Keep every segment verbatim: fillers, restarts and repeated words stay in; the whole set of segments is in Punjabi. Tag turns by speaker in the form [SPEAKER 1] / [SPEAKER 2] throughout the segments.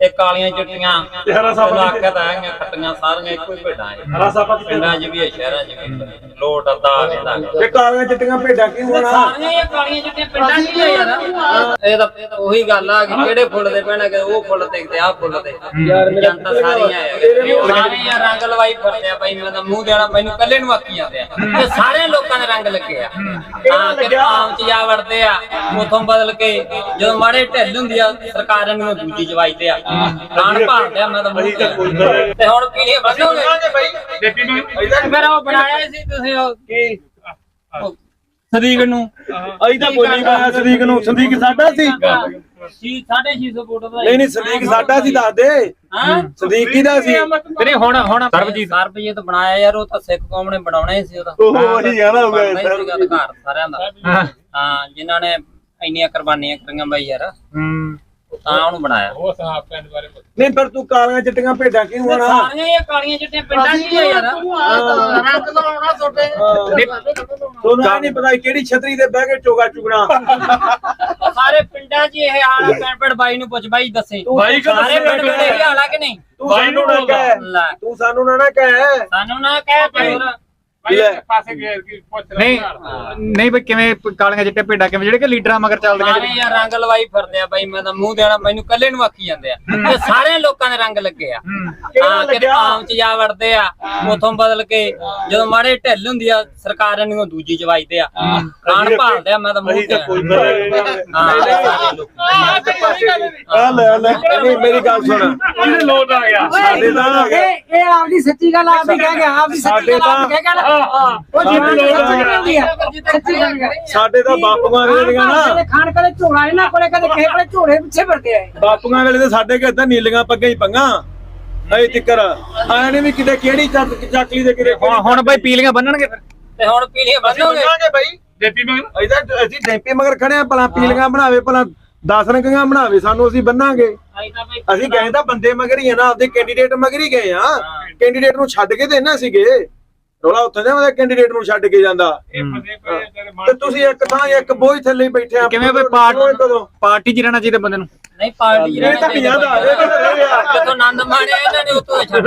[SPEAKER 1] ਤੇ ਕਾਲੀਆਂ ਚਿੱਟੀਆਂ ਇਲਾਕਤ ਆਈਆਂ ਖੱਟੀਆਂ ਸਾਰੀਆਂ ਇੱਕੋ ਹੀ ਭੇਡਾਂ ਐ ਪਿੰਡਾਂ 'ਚ ਵੀ ਐ ਸ਼ਹਿਰਾਂ 'ਚ ਵੀ ਲੋਟ ਅੱਧਾ ਰਹਿੰਦਾ
[SPEAKER 2] ਤੇ ਕਾਲੀਆਂ ਚਿੱਟੀਆਂ ਭੇਡਾਂ ਕੀ ਹੋਣਾ
[SPEAKER 1] ਸਾਰੀਆਂ ਇਹ ਕਾਲੀਆਂ ਚਿੱਟੀਆਂ ਪਿੰਡਾਂ 'ਚ ਹੀ ਯਾਰ ਇਹ ਤਾਂ ਉਹੀ ਗੱਲ ਆ ਕਿ ਕਿਹੜੇ ਫੁੱਲ ਦੇ ਪੈਣਾ ਕਿ ਉਹ ਫੁੱਲ ਤੇ ਤੇ ਆਹ ਫੁੱਲ ਤੇ ਜਨਤਾ ਸਾਰੀਆਂ ਆ ਸਾਰੀਆਂ ਰੰਗ ਲਵਾਈ ਫਿਰਦੇ ਆ ਬਾਈ ਮੈਂ ਤਾਂ ਮੂੰਹ ਦੇਣਾ ਮੈਨੂੰ ਕੱਲੇ ਨੂੰ ਆਖੀ ਜਾਂਦੇ ਆ ਤੇ ਸਾਰੇ ਲੋਕਾਂ ਦੇ ਰੰਗ ਲੱਗੇ ਆ ਹਾਂ ਕਿ ਆਮ 'ਚ ਜਾ ਵੜਦੇ ਆ ਉਥੋਂ ਬਦਲ ਕੇ ਜਦੋਂ ਮਾੜੇ ਢਿੱਲ ਹੁੰਦੀ ਆ ਸਰਕਾਰ ਨੂੰ ਦੂਜੀ ਜਵਾਈਦੇ ਆ ਖਾਣ ਭਾਲਦੇ ਆ ਮੈਂ ਤਾਂ ਮੂੰਹ ਤੇ ਹੁਣ ਪੀਲੀਆਂ ਵਧੋਗੇ ਬਾਈ ਫਿਰ ਉਹ ਬਣਾਇਆ ਸੀ ਤੁਸੀਂ ਉਹ ਕੀ ਸਦੀਕ ਨੂੰ
[SPEAKER 2] ਅਸੀਂ ਤਾਂ ਬੋਲੀ ਪਾਇਆ ਸਦੀਕ ਨੂੰ ਸਦੀਕ ਸਾਡਾ ਸੀ
[SPEAKER 1] ਸੀ ਸਾਢੇ ਛੇ ਸੌ ਫੁੱਟ ਦਾ
[SPEAKER 2] ਨਹੀਂ ਨਹੀਂ ਸਦੀਕ ਸਾਡਾ ਸੀ ਦੱਸ ਦੇ
[SPEAKER 1] ਹਾਂ
[SPEAKER 2] ਸਦੀਕ ਕਿਹਦਾ ਸੀ
[SPEAKER 3] ਤੇਰੇ ਹੁਣ ਹੁਣ
[SPEAKER 1] ਸਰਬਜੀਤ ਸਰਬਜੀਤ ਬਣਾਇਆ ਯਾਰ ਉਹ ਤਾਂ ਸਿੱਖ ਕੌਮ ਨੇ ਬਣਾਉਣਾ ਹੀ ਸੀ ਉਹਦਾ
[SPEAKER 2] ਉਹ ਉਹੀ ਗਾਣਾ ਹੋ ਗਿਆ
[SPEAKER 1] ਅਧਿਕਾਰ ਸਾਰਿਆਂ ਦਾ ਹਾਂ ਜਿਨ੍ਹਾਂ ਨੇ ਇੰਨੀਆਂ ਕੁਰਬਾਨੀਆਂ ਕਰੀਆਂ ਬਾਈ ਯਾਰ
[SPEAKER 3] ਹੂੰ
[SPEAKER 1] ਤਾਂ ਉਹਨੂੰ ਬਣਾਇਆ
[SPEAKER 2] ਨਹੀਂ ਪਰ ਤੂੰ ਕਾਲੀਆਂ ਚਿੱਟੀਆਂ ਭੇਡਾਂ ਕੀ ਹੋਣਾ
[SPEAKER 1] ਸਾਰੀਆਂ ਇਹ ਕਾਲੀਆਂ ਚਿੱਟੀਆਂ ਪਿੰਡਾਂ 'ਚ ਹੀ ਆ ਯਾਰ ਰੰਗ ਲਾਉਣਾ ਤੁਹਾਡੇ
[SPEAKER 2] ਤੁਹਾਨੂੰ ਨਹੀਂ ਪਤਾ ਕਿਹੜੀ ਛਤਰੀ ਤੇ ਬਹਿ ਕੇ ਚੋਗਾ ਚੁਗਣਾ
[SPEAKER 1] ਸਾਰੇ ਪਿੰਡਾਂ 'ਚ ਇਹ ਹਾਲ ਪਿੰਡ ਪਿੰਡ ਬਾਈ ਨੂੰ ਪੁੱਛ ਬਾਈ ਦੱਸੇ ਸਾਰੇ ਪਿੰਡ ਪਿੰਡ ਇਹ ਹਾਲ ਆ ਕਿ ਨਹੀਂ
[SPEAKER 2] ਤੂੰ ਸਾਨੂੰ ਨਾ ਕਹਿ ਤੂੰ ਸਾਨੂੰ ਨਾ ਨਾ ਕਹਿ
[SPEAKER 1] ਸਾਨੂੰ ਨਾ ਕਹਿ ਤੇ ਹੋਰ
[SPEAKER 3] ਨਹੀਂ ਨਹੀਂ ਬਈ ਕਿਵੇਂ ਕਾਲੀਆਂ ਚਿੱਟੇ ਭੇਡਾਂ ਕਿਵੇਂ ਜਿਹੜੇ ਕਿ ਲੀਡਰਾਂ ਮਗਰ ਚੱਲਦੀਆਂ
[SPEAKER 1] ਸਾਰੇ ਯਾਰ ਰੰਗ ਲਵਾਈ ਫਿਰਦੇ ਆ ਬਾਈ ਮੈਂ ਤਾਂ ਮੂੰਹ ਦੇਣਾ ਮੈਨੂੰ ਕੱਲੇ ਨੂੰ ਆਖੀ ਜਾਂਦੇ ਆ ਤੇ ਸਾਰੇ ਲੋਕਾਂ ਦੇ ਰੰਗ ਲੱਗੇ ਆ ਹਾਂ ਕਿ ਆਮ 'ਚ ਜਾ ਵੜਦੇ ਆ ਉਥੋਂ ਬਦਲ ਕੇ ਜਦੋਂ ਮਾੜੇ ਢਿੱਲ ਹੁੰਦੀ ਆ ਸਰਕਾਰ ਨੂੰ ਦੂਜੀ ਜਵਾਈਦੇ ਆ ਖਾਣ ਭਾਲਦੇ ਆ ਮੈਂ ਤਾਂ ਮੂੰਹ ਤੇ
[SPEAKER 2] ਆ ਲੈ ਲੈ ਨਹੀਂ ਮੇਰੀ ਗੱਲ ਸੁਣ
[SPEAKER 3] ਲੋਟ ਆ ਗਿਆ
[SPEAKER 2] ਸਾਡੇ ਦਾ
[SPEAKER 4] ਇਹ ਇਹ ਆਪਦੀ ਸੱਚੀ ਗੱਲ ਆਪ ਹੀ ਕਹਿ ਗਿਆ ਆਪਦੀ ਸੱਚੀ ਗੱਲ ਆਪ ਕਹਿ ਗਿਆ ਉਹ ਜਿੱਤੀ ਸੱਚੀ ਗੱਲ
[SPEAKER 2] ਸਾਡੇ ਤਾਂ ਬਾਪੂਆਂ ਵੇਲੇ ਦੀਆਂ ਨਾ
[SPEAKER 4] ਖਾਣ ਕਦੇ ਝੋਲਾ ਇਹਨਾਂ ਕੋਲੇ ਕਦੇ ਕਿਸੇ ਕੋਲੇ ਝੋਲੇ ਪਿੱਛੇ ਫਿਰਦੇ ਆਏ
[SPEAKER 2] ਬਾਪੂਆਂ ਵੇਲੇ ਤੇ ਸਾਡੇ ਘਰ ਤਾਂ ਨੀਲੀਆਂ ਪੱਗਾਂ ਹੀ ਪੰਗਾ ਐ ਟਿੱਕਰ ਆਇਆ ਨੇ ਵੀ ਕਿਤੇ ਕਿਹੜੀ ਚੱਕਲੀ ਦੇ ਕਿਤੇ
[SPEAKER 3] ਹੁਣ ਹੁਣ ਬਈ ਪੀਲੀਆਂ ਬੰਨਣਗੇ ਫਿਰ
[SPEAKER 1] ਤੇ ਹੁਣ ਪੀਲੀਆਂ ਬੰਨੋਗੇ
[SPEAKER 2] ਬਾਈ
[SPEAKER 3] ਡੇਪੀ ਮਗਰ
[SPEAKER 2] ਇਹਦਾ ਅਸੀਂ ਡੈਂਪੀ ਮਗਰ ਖੜੇ ਆ ਭਲਾ ਪੀਲੀਆਂ ਬਣਾਵੇ ਭਲਾ ਦਸ ਰੰਗੀਆਂ ਬਣਾਵੇ ਸਾਨੂੰ ਅਸੀਂ ਬੰਨਾਂਗੇ ਅਸੀਂ ਗਏ ਤਾਂ ਬੰਦੇ ਮਗਰ ਹੀ ਆ ਨਾ ਆਪਦੇ ਕੈਂਡੀਡੇਟ ਮਗਰ ਹੀ ਗਏ ਆ ਕੈਂਡੀਡੇਟ ਨੂੰ ਛੱਡ ਕੇ ਤੇ ਨਾ ਸੀਗੇ ਰੋਲਾ ਉੱਥੇ ਨਾ ਕੈਂਡੀਡੇਟ ਨੂੰ ਛੱਡ ਕੇ ਜਾਂਦਾ ਤੇ ਤੁਸੀਂ ਇੱਕ ਥਾਂ ਇੱਕ ਬੋਝ ਥੱਲੇ ਬੈਠੇ ਆ
[SPEAKER 3] ਕਿਵੇਂ ਬਈ ਪਾਰਟੀ 'ਚ ਰਹਿਣਾ ਚਾਹੀਦਾ ਬੰਦੇ ਨੂੰ
[SPEAKER 1] ਨਹੀਂ ਪਾਰਟੀ
[SPEAKER 2] ਇਹ ਤਾਂ ਪੰਜਾਹ ਦਾ ਇਹ ਤਾਂ ਰਹੇ ਆ
[SPEAKER 1] ਜਦੋਂ ਆਨੰਦ ਮਾਣਿਆ ਇਹਨਾਂ ਨੇ ਉਤੋਂ ਛੱਡ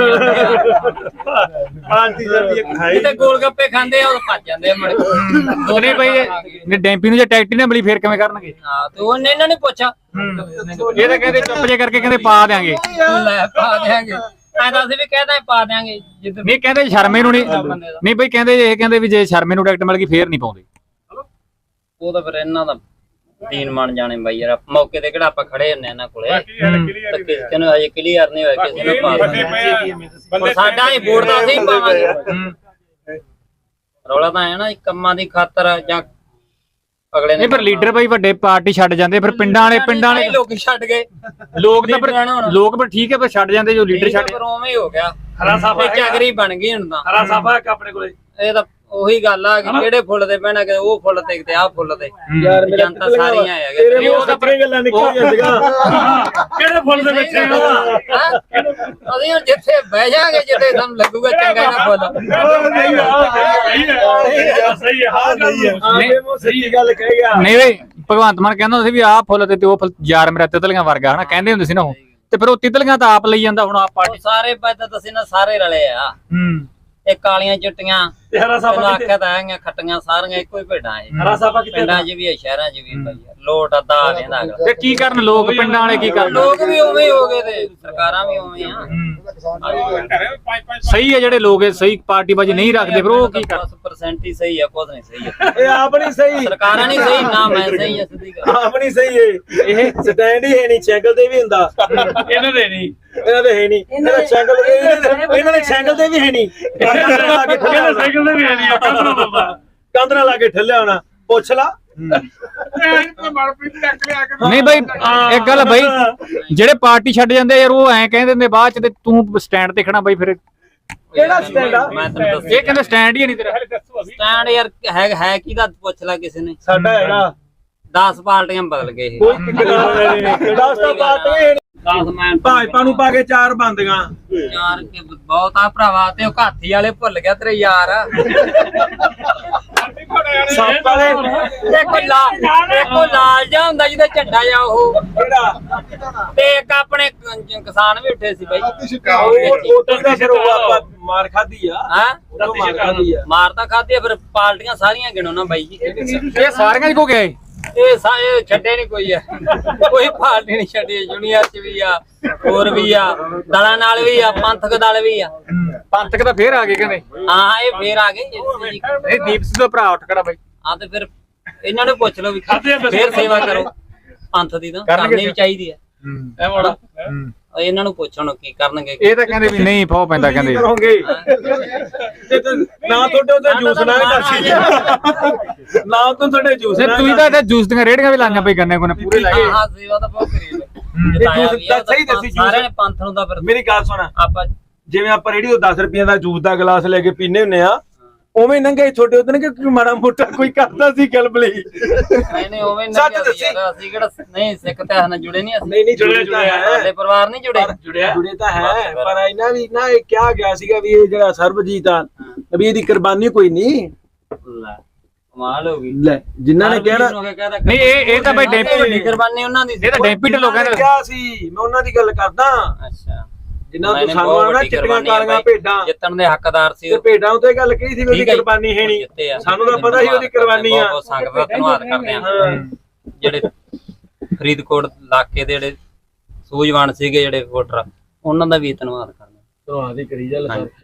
[SPEAKER 2] ਪਾਰਟੀ ਜਲਦੀ ਇੱਕ ਹੈ
[SPEAKER 1] ਤੇ ਗੋਲ ਗੱਪੇ ਖਾਂਦੇ ਆ ਉਹ ਭੱਜ ਜਾਂਦੇ ਆ ਮੜ
[SPEAKER 3] ਦੋਨੇ ਬਈ ਨੇ ਡੈਂਪੀ ਨੂੰ ਜੇ ਟੈਕਟੀ ਨਾ ਮਿਲੀ ਫੇਰ ਕਿਵੇਂ ਕਰਨਗੇ
[SPEAKER 1] ਹਾਂ ਤੇ ਉਹਨੇ ਇਹਨਾਂ ਨੇ ਪੁੱਛਿਆ
[SPEAKER 3] ਇਹ ਤਾਂ ਕਹਿੰਦੇ ਚੁੱਪ ਜੇ ਕਰਕੇ ਕਹਿੰਦੇ ਪਾ ਦਿਆਂਗੇ
[SPEAKER 1] ਲੈ ਪਾ ਦਿਆਂਗੇ ਐਂ ਤਾਂ ਅਸੀਂ ਵੀ ਕਹਿਦਾ ਪਾ ਦਿਆਂਗੇ ਜਿੱਦ
[SPEAKER 3] ਨਹੀਂ ਕਹਿੰਦੇ ਸ਼ਰਮੇ ਨੂੰ ਨਹੀਂ ਨਹੀਂ ਬਈ ਕਹਿੰਦੇ ਇਹ ਕਹਿੰਦੇ ਵੀ ਜੇ ਸ਼ਰਮੇ ਨੂੰ ਟਿਕਟ ਮਿਲ ਗਈ ਫੇਰ ਨਹੀਂ ਪਾਉਂਦੇ
[SPEAKER 1] ਉਹ ਤਾਂ ਫਿਰ ਇਹਨਾਂ ਦਾ ਦੀਨ ਮੰਨ ਜਾਣੇ ਬਾਈ ਯਾਰ ਮੌਕੇ ਤੇ ਕਿਹੜਾ ਆਪਾਂ ਖੜੇ ਹੁੰਨੇ ਇਹਨਾਂ ਕੋਲੇ ਤੇ ਕਿਸੇ ਨੂੰ ਹਜੇ ਕਲੀਅਰ ਨਹੀਂ ਹੋਇਆ ਕਿਸੇ ਨੂੰ ਪਾ ਪਰ ਸਾਡਾ ਹੀ ਵੋਟ ਦਾ ਅਸੀਂ ਪਾਵਾਂਗੇ ਰੌਲਾ ਤਾਂ ਹੈ ਨਾ ਕੰਮਾਂ ਦੀ ਖਾਤਰ ਜਾਂ ਅਗਲੇ
[SPEAKER 3] ਨਹੀਂ ਪਰ ਲੀਡਰ ਬਈ ਵੱਡੇ ਪਾਰਟੀ ਛੱਡ ਜਾਂਦੇ ਫਿਰ ਪਿੰਡਾਂ ਵਾਲੇ ਪਿੰਡਾਂ ਵਾਲੇ
[SPEAKER 1] ਲੋਕ ਛੱਡ ਗਏ
[SPEAKER 3] ਲੋਕ ਤਾਂ ਪਰ ਲੋਕ ਪਰ ਠੀਕ ਹੈ ਪਰ ਛੱਡ ਜਾਂਦੇ ਜੋ ਲੀਡਰ ਛੱਡ
[SPEAKER 1] ਪਰ ਉਵੇਂ ਹੀ ਹੋ ਗਿਆ ਹਰਾ ਸਾਫਾ ਚਾਗਰੀ ਬਣ ਗਈ ਹੁਣ ਤਾਂ
[SPEAKER 2] ਹਰਾ ਸਾਫਾ ਇੱਕ ਆਪਣੇ ਕੋਲੇ
[SPEAKER 1] ਇਹ ਤਾਂ ਉਹੀ ਗੱਲ ਆ ਕਿ ਕਿਹੜੇ ਫੁੱਲ ਤੇ ਪੈਣਾ ਕਿ ਉਹ ਫੁੱਲ ਤੇ ਤੇ ਆਹ ਫੁੱਲ ਤੇ
[SPEAKER 2] ਯਾਰ
[SPEAKER 1] ਜਨਤਾ ਸਾਰੀਆਂ ਆ
[SPEAKER 2] ਤੇਰੇ ਉਹ ਤਾਂ ਗੱਲਾਂ ਨਿਕਲ ਜਾਂਦੀਆਂ
[SPEAKER 3] ਕਿਹੜੇ ਫੁੱਲ ਦੇ ਵਿੱਚ
[SPEAKER 1] ਅਸੀਂ ਹੁਣ ਜਿੱਥੇ ਬਹਿ ਜਾਾਂਗੇ ਜਿੱਥੇ ਸਾਨੂੰ ਲੱਗੂਗਾ ਚੰਗਾ ਨਾ ਫੁੱਲ
[SPEAKER 2] ਸਹੀ ਹੈ ਸਹੀ ਗੱਲ ਕਹਿ ਗਿਆ
[SPEAKER 3] ਨਹੀਂ ਬਈ ਭਗਵੰਤ ਮਾਨ ਕਹਿੰਦਾ ਸੀ ਵੀ ਆਹ ਫੁੱਲ ਤੇ ਉਹ ਫੁੱਲ ਯਾਰ ਮੇਰਾ ਤਿਤਲੀਆਂ ਵਰਗਾ ਹਨਾ ਕਹਿੰਦੇ ਹੁੰਦੇ ਸੀ ਨਾ ਉਹ ਤੇ ਫਿਰ ਉਹ ਤਿਤਲੀਆਂ ਤਾਂ ਆਪ ਲਈ ਜਾਂਦਾ ਹੁਣ ਆਪ ਪਾਰਟੀ
[SPEAKER 1] ਸਾਰੇ ਪਾਸੇ ਤੁਸੀਂ ਨਾ ਸਾਰੇ ਰਲੇ ਆ
[SPEAKER 3] ਹੂੰ
[SPEAKER 1] ਇਹ ਕਾਲੀਆਂ ਚਿੱਟੀਆਂ
[SPEAKER 2] ਹਰਾ ਸਾਫਾ
[SPEAKER 1] ਇਲਾਕਤ ਆਈਆਂ ਖੱਟੀਆਂ ਸਾਰੀਆਂ ਇੱਕੋ ਹੀ ਭੇਡਾਂ ਐ
[SPEAKER 2] ਹਰਾ ਸਾਫਾ ਕਿਤੇ
[SPEAKER 1] ਪਿੰਡਾਂ 'ਚ ਵੀ ਐ ਸ਼ਹਿਰਾਂ 'ਚ ਵੀ ਬਾਈ ਲੋਟ ਅੱਧਾ ਰਹਿੰਦਾ
[SPEAKER 3] ਤੇ ਕੀ ਕਰਨ ਲੋਕ ਪਿੰਡਾਂ ਵਾਲੇ ਕੀ ਕਰਨ
[SPEAKER 1] ਲੋਕ ਵੀ ਉਵੇਂ ਹੀ ਹੋ ਗਏ ਤੇ ਸਰਕਾਰਾਂ ਵੀ ਉਵੇਂ ਆ
[SPEAKER 3] ਸਹੀ ਹੈ ਜਿਹੜੇ ਲੋਕ ਸਹੀ ਪਾਰਟੀ ਬਾਜੀ ਨਹੀਂ ਰੱਖਦੇ ਫਿਰ ਉਹ ਕੀ ਕਰ
[SPEAKER 1] ਦਸ ਪਰਸੈਂਟ ਹੀ ਸਹੀ ਆ ਕੁਝ ਨਹੀਂ ਸਹੀ ਆ
[SPEAKER 2] ਇਹ ਆਪ ਨਹੀਂ ਸਹੀ
[SPEAKER 1] ਸਰਕਾਰਾਂ ਨਹੀਂ ਸਹੀ ਨਾ ਮੈਂ ਸਹੀ ਆ ਸਿੱਧੀ ਗੱਲ
[SPEAKER 2] ਆਪ ਨਹੀਂ ਸਹੀ ਇਹ ਇਹ ਸਟੈਂਡ ਹੀ ਹੈ ਨਹੀਂ ਸਾਈਕਲ ਤੇ ਵੀ ਹੁੰਦਾ
[SPEAKER 3] ਇਹਨਾਂ ਦੇ ਨਹੀਂ
[SPEAKER 2] ਇਹਨਾਂ ਦੇ ਹੈ ਨਹੀਂ ਇਹਨਾਂ ਸਾਈਕਲ ਇਹਨਾਂ ਦੇ ਸਾਈਕਲ ਤੇ ਵੀ ਹੈ ਨਹੀਂ
[SPEAKER 3] ਸਾਈਕਲ ਤੇ ਵੀ ਹੈ ਨਹੀਂ
[SPEAKER 2] ਕੰਧ ਨਾਲ ਲਾ ਕੇ ਠੱਲਿਆ ਹੋਣਾ ਪੁੱਛ ਲਾ
[SPEAKER 3] ਨਹੀਂ ਬਈ ਇੱਕ ਗੱਲ ਬਈ ਜਿਹੜੇ ਪਾਰਟੀ ਛੱਡ ਜਾਂਦੇ ਯਾਰ ਉਹ ਐਂ ਕਹਿੰਦੇ ਨੇ ਬਾਅਦ ਚ ਤੇ ਤੂੰ ਸਟੈਂਡ ਤੇ ਖੜਾ ਬਈ ਫਿਰ
[SPEAKER 2] ਕਿਹੜਾ ਸਟੈਂਡ ਆ
[SPEAKER 1] ਮੈਂ ਤੈਨੂੰ ਦੱਸ
[SPEAKER 3] ਇਹ ਕਹਿੰਦੇ ਸਟੈਂਡ ਹੀ ਨਹੀਂ ਤੇਰਾ
[SPEAKER 1] ਸਟੈਂਡ ਯਾਰ ਹੈ ਹੈ ਕਿਹਦਾ ਪੁੱਛ ਲੈ ਕਿਸੇ ਨੇ
[SPEAKER 2] ਸਾਡਾ ਹੈਗਾ
[SPEAKER 1] ਦਸ ਪਾਰਟੀਆਂ ਬਦਲ ਗਏ ਇਹ
[SPEAKER 2] ਕੋਈ ਟਿਕਰਾ ਨਹੀਂ ਦਸ ਤਾਂ ਪਾਰਟੀਆਂ
[SPEAKER 1] ਦਸ ਮੈਂ
[SPEAKER 2] ਭਾਜਪਾ ਨੂੰ ਪਾ ਕੇ ਚਾਰ ਬੰਦੀਆਂ
[SPEAKER 1] ਯਾਰ ਕੇ ਬਹੁਤ ਆ ਭਰਾਵਾ ਤੇ ਉਹ ਹਾਥੀ ਵਾਲੇ ਭੁੱਲ ਗਿਆ ਤੇਰੇ ਯਾਰ
[SPEAKER 2] ਸੱਪ ਵਾਲੇ
[SPEAKER 1] ਇੱਕ ਲਾਲ ਇੱਕ ਉਹ ਲਾਲ ਜਿਹਾ ਹੁੰਦਾ ਜਿਹਦਾ ਝੰਡਾ ਜਾ ਉਹ
[SPEAKER 2] ਕਿਹੜਾ
[SPEAKER 1] ਤੇ ਇੱਕ ਆਪਣੇ ਕ- ਕਿਸਾਨ ਵੀ ਉੱਠੇ ਸੀ ਬਾਈ
[SPEAKER 2] ਉਹ ਉਦੋਂ ਦਾ ਫਿਰ ਉਹ ਆਪਾਂ ਮਾਰ ਖਾਧੀ ਆ
[SPEAKER 1] ਹਾਂ
[SPEAKER 2] ਉਦੋਂ ਮਾਰ ਖਾਧੀ ਆ
[SPEAKER 1] ਮਾਰ ਤਾਂ ਖਾਧੀ ਆ, ਫਿਰ ਪਾਰਟੀਆਂ ਸਾਰੀਆਂ ਗਿਣੋ ਨਾ ਬਾਈ ਜੀ
[SPEAKER 3] ਇਹ ਸਾਰੀਆਂ ਹੀ ਕੋ ਗਿਆ
[SPEAKER 1] ਇਹ ਸਾਰੇ ਛੱਡੇ ਨਹੀਂ ਕੋਈ ਆ ਕੋਈ ਪਾਰਟੀ ਨਹੀਂ ਛੱਡੀ ਜੁਨੀਅਰ ਚ ਵੀ ਆ ਹੋਰ ਵੀ ਆ ਦਲਾਂ ਨਾਲ ਵੀ ਆ ਪੰਥਕ ਦਲ ਵੀ ਆ
[SPEAKER 3] ਪੰਥਕ ਤਾਂ ਫੇਰ ਆ ਗਏ ਕਹਿੰਦੇ
[SPEAKER 1] ਹਾਂ ਇਹ ਫੇਰ ਆ ਗਏ ਜੀ।
[SPEAKER 3] ਇਹ ਦੀਪ ਸਿੰਘ ਦਾ ਭਰਾ ਉੱਠ ਖੜਾ ਬਾਈ
[SPEAKER 1] ਹਾਂ ਤੇ ਫਿਰ ਇਹਨਾਂ ਨੂੰ ਪੁੱਛ ਲਓ ਵੀ ਫੇਰ ਸੇਵਾ ਕਰੋ ਪੰਥ ਦੀ ਤਾਂ ਕਰਨੀ ਵੀ ਚਾਹੀਦੀ ਆ
[SPEAKER 3] ਇਹ ਮੋੜਾ
[SPEAKER 1] ਇਹਨਾਂ ਨੂੰ ਪੁੱਛੋ ਨਾ ਕੀ ਕਰਨਗੇ
[SPEAKER 3] ਇਹ ਤਾਂ ਕਹਿੰਦੇ ਵੀ ਨਹੀਂ ਫੋ ਪੈਂਦਾ ਕਹਿੰਦੇ
[SPEAKER 2] ਕਰੋਗੇ ਤੇ ਤੇ ਨਾ ਤੁਹਾਡੇ ਉੱਤੇ ਜੂਸ ਨਾ ਕਰਸੀ ਨਾ ਤੋਂ ਤੁਹਾਡੇ ਜੂਸ
[SPEAKER 3] ਨਹੀਂ ਤੁਸੀਂ ਤਾਂ ਇੱਥੇ ਜੂਸ ਦੀਆਂ ਰੇੜੀਆਂ ਵੀ ਲਾਈਆਂ ਪਈ ਗੰਨੇ ਕੋਨੇ ਪੂਰੇ ਲਾਏ
[SPEAKER 1] ਹਾਂ ਸੇਵਾ ਤਾਂ ਬਹੁਤ ਕਰੀ
[SPEAKER 2] ਜੂਸ ਤਾਂ ਸਹੀ ਦੱਸੀ ਜੂਸ
[SPEAKER 1] ਸਾਰਿਆਂ ਨੇ ਪੰਥ ਨੂੰ ਤਾਂ ਫਿਰ
[SPEAKER 2] ਮੇਰੀ ਗੱਲ ਸੁਣ
[SPEAKER 1] ਆਪਾਂ
[SPEAKER 2] ਜਿਵੇਂ ਆਪਾਂ ਰੇੜੀ ਤੋਂ ਦਸ ਰੁਪਏ ਦਾ ਜੂਸ ਦਾ ਗਲਾਸ ਲੈ ਕੇ ਪੀਨੇ ਹੁੰਨੇ ਆ ਉਵੇਂ ਨੰਗੇ ਛੋਟੇ ਉਦੋਂ ਕਿ ਕੋਈ ਮਾੜਾ ਮੋਟਾ ਕੋਈ ਕਰਦਾ ਸੀ ਗਲਬਲੀ
[SPEAKER 1] ਨਹੀਂ ਨਹੀਂ ਉਵੇਂ
[SPEAKER 2] ਸੱਚ
[SPEAKER 1] ਨਹੀਂ
[SPEAKER 2] ਦੱਸੀ।
[SPEAKER 1] ਅਸੀਂ ਕਿਹੜਾ ਨਹੀਂ ਸਿੱਖ ਤੇ ਨਾਲ ਜੁੜੇ ਨਹੀਂ ਅਸੀਂ
[SPEAKER 2] ਨਹੀਂ ਨਹੀਂ ਜੁੜੇ ਤਾਂ
[SPEAKER 1] ਸਾਡੇ
[SPEAKER 2] ਹੈ
[SPEAKER 1] ਪਰਿਵਾਰ ਨਹੀਂ ਜੁੜੇ
[SPEAKER 2] ਜੁੜਿਆ ਜੁੜੇ ਤਾਂ ਹੈ ਪਰ ਇਹਨਾਂ ਵੀ ਨਾ ਇਹ ਕਿਹਾ ਗਿਆ ਸੀਗਾ ਵੀ ਇਹ ਜਿਹੜਾ ਸਰਬਜੀਤ ਆ ਵੀ ਇਹਦੀ ਕੁਰਬਾਨੀ ਕੋਈ ਨਹੀਂ
[SPEAKER 1] ਲੈ ਕਮਾਲ ਹੋ ਗਈ
[SPEAKER 2] ਲੈ ਜਿਨ੍ਹਾਂ ਨੇ ਕਹਿਣਾ
[SPEAKER 3] ਨਹੀਂ ਇਹ ਇਹ ਤਾਂ ਬਾਈ ਡੈਂਪੀ
[SPEAKER 1] ਵੱਡੀ ਕੁਰਬਾਨੀ ਉਹਨਾਂ ਦੀ ਸੀ
[SPEAKER 3] ਇਹ ਤਾਂ ਡੈਂਪੀ ਢਿੱਲੋਂ
[SPEAKER 2] ਜਿਨ੍ਹਾਂ ਨੇ
[SPEAKER 3] ਕਹਿੰਦੇ
[SPEAKER 2] ਕਿਹਾ ਸੀ ਮੈਂ ਉਹਨਾਂ ਦੀ ਗੱਲ ਕਰਦਾ
[SPEAKER 1] ਅੱਛਾ
[SPEAKER 2] ਜਿਨ੍ਹਾਂ
[SPEAKER 1] ਨਹੀਂ,
[SPEAKER 2] ਤੋਂ
[SPEAKER 1] ਨਹੀਂ,
[SPEAKER 2] ਸਾਨੂੰ
[SPEAKER 1] ਬਹੁਤ
[SPEAKER 2] ਆਣਾ
[SPEAKER 1] ਵੱਡੀ
[SPEAKER 2] ਚਿੱਟੀਆਂ
[SPEAKER 1] ਕੁਰਬਾਨੀ ਆ
[SPEAKER 2] ਕਾਲੀਆਂ
[SPEAKER 1] ਬਾਈ।
[SPEAKER 2] ਭੇਡਾਂ
[SPEAKER 1] ਜਿੱਤਣ ਦੇ ਹੱਕਦਾਰ ਸੀ
[SPEAKER 2] ਤੇ
[SPEAKER 1] ਉਹ।
[SPEAKER 2] ਭੇਡਾਂ ਉਤੇ ਗੱਲ ਕਹੀ ਸੀ ਵੀ ਉਹਦੀ
[SPEAKER 1] ਠੀਕ ਹੈ ਜੀ।
[SPEAKER 2] ਕੁਰਬਾਨੀ ਹੈ ਨਹੀਂ
[SPEAKER 1] ਜਿੱਤੇ ਆ।
[SPEAKER 2] ਸਾਨੂੰ ਤਾਂ ਪਤਾ ਸੀ ਉਹਦੀ ਕੁਰਬਾਨੀ ਆ
[SPEAKER 1] ਬਹੁਤ ਬਹੁਤ ਸੰਗਤ ਦਾ ਧੰਨਵਾਦ ਕਰਦੇ ਆ
[SPEAKER 2] ਹਾਂ।
[SPEAKER 1] ਜਿਹੜੇ ਫਰੀਦਕੋਟ ਇਲਾਕੇ ਦੇ ਜਿਹੜੇ ਸੂਝਵਾਨ ਸੀਗੇ ਜਿਹੜੇ ਵੋਟਰ ਉਹਨਾਂ ਦਾ ਵੀ ਧੰਨਵਾਦ ਕਰਦੇ
[SPEAKER 2] ਧੰਨਵਾਦ ਹੀ ਕਰੀ ਜਾ